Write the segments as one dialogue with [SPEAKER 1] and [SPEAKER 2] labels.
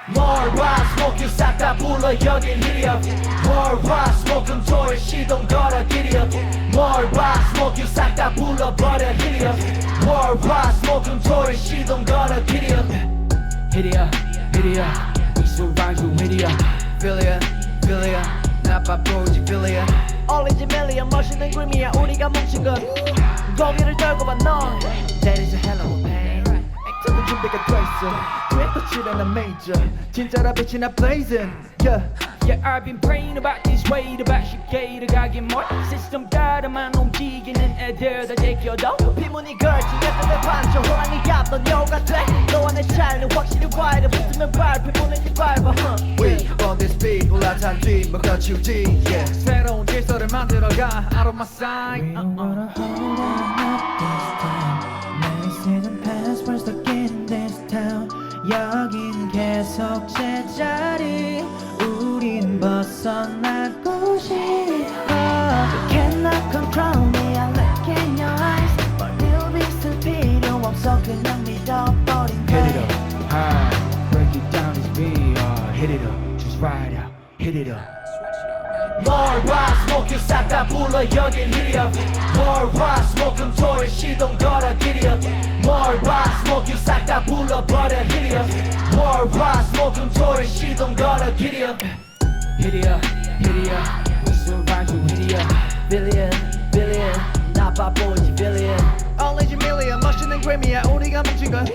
[SPEAKER 1] 뭘 봐 스모킹 싹 다 불러 여긴 힐이야 뭘봐 스모킹 토일 시동 걸어 길이야 뭘봐 스모킹 싹 다 불러버려 힐이야 뭘봐 스모킹 토일 시동 걸어 길이야 힐이야 힐이야 이수방주 힐이야 필이야 필이야 나빠 보이지 필이야
[SPEAKER 2] 올리지 밀리언 멋있는 그림이야 우리가 뭉친 건 고개를 떨고 봐넌 That is a hell of a pain 액터는 준비가 돼있어 또 칠해나 major 진짜라 빛이 나 blazing yeah.
[SPEAKER 3] Yeah, I've been praying about this way about 쉽게 가긴 뭘 시스템 따라만 움직이는 애들 다 제껴도
[SPEAKER 2] 피문이 걸친 애들의 반전 호랑이 잡던 여우가 돼 너와 내 차이는 확실히 와이드 붙으면 밟혀 보내지 밟아
[SPEAKER 4] We on this beat 올라탄 뒤 뭐가 치우지 yeah.
[SPEAKER 3] 새로운 질서를 만들어가 Out of my sight
[SPEAKER 5] We don't wanna hold on up this time 내 season pass we're stuck in this town 여긴 계속 제자리 우린 벗어나고 싶어 You cannot control me I look in your eyes 멀리 있을 필요 없어 그냥 믿어버린
[SPEAKER 3] Hit it up, high, break it down as we are Hit it up, just ride out, hit it up
[SPEAKER 1] 뭘봐 스모킹 싹 다 불러 여긴 힐이야 뭘봐 스모킹 토일 시동 걸어 길이야 뭘봐 스모킹 싹 다 불러버려 힐이야 뭘봐 스모킹 토일 시동 걸어 길이야
[SPEAKER 3] 힐이야 힐이야 이수방주 힐이야
[SPEAKER 2] Billion billion 나빠 보이지 billion
[SPEAKER 4] 올리지 밀리언 멋있는 그림이야 우리가 뭉친 건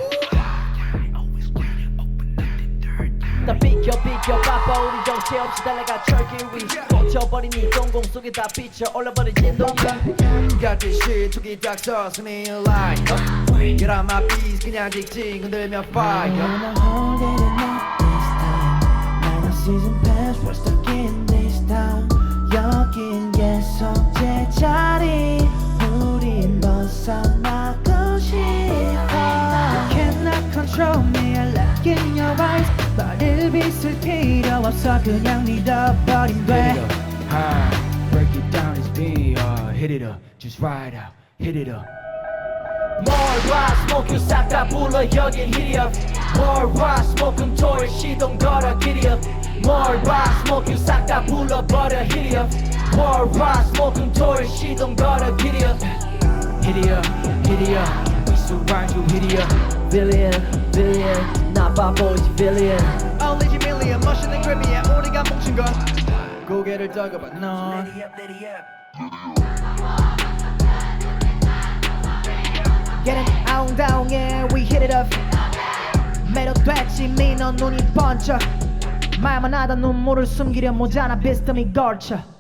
[SPEAKER 2] 다 비켜 바빠 우리 정체없이 달려가 철길 위 꽂혀버린 이 동공 속에 다 비쳐 올라버린 진동가
[SPEAKER 4] 같은 시툭이 딱 서서 네 line Get out my piece 그냥 직진 흔들며 fire
[SPEAKER 5] wanna hold it up this time 나는 season pass we're stuck in this town 여긴 계속 제자리 우린 벗어나고 싶어 You cannot control me I look in your eyes 말을 빗을 필요 없어 그냥 믿어버린
[SPEAKER 3] Hit it
[SPEAKER 5] 돼
[SPEAKER 3] up, high, break it down as we are Hit it up, just ride out, hit it up
[SPEAKER 1] 뭘봐 스모킹 싹 다 불러 여긴 힐이야 뭘봐 스모킹 토일 시동 걸어 길이야 뭘봐 스모킹 싹 다 불러버려 힐이야 뭘봐 스모킹 토일 시동 걸어 길이야
[SPEAKER 3] 힐이야 힐이야 이수방주 힐이야
[SPEAKER 2] Billion billion 나빠 보이지 billion
[SPEAKER 4] 올리지 밀리언 멋있는 그림이야 우리가 뭉친 건 고개를 떨궈봐 넌
[SPEAKER 2] Getting out down yeah we hit it up 매력됐지 민원 눈이 번쩍 말만 하다 눈물을 숨기려 모자나 비스듬히 걸쳐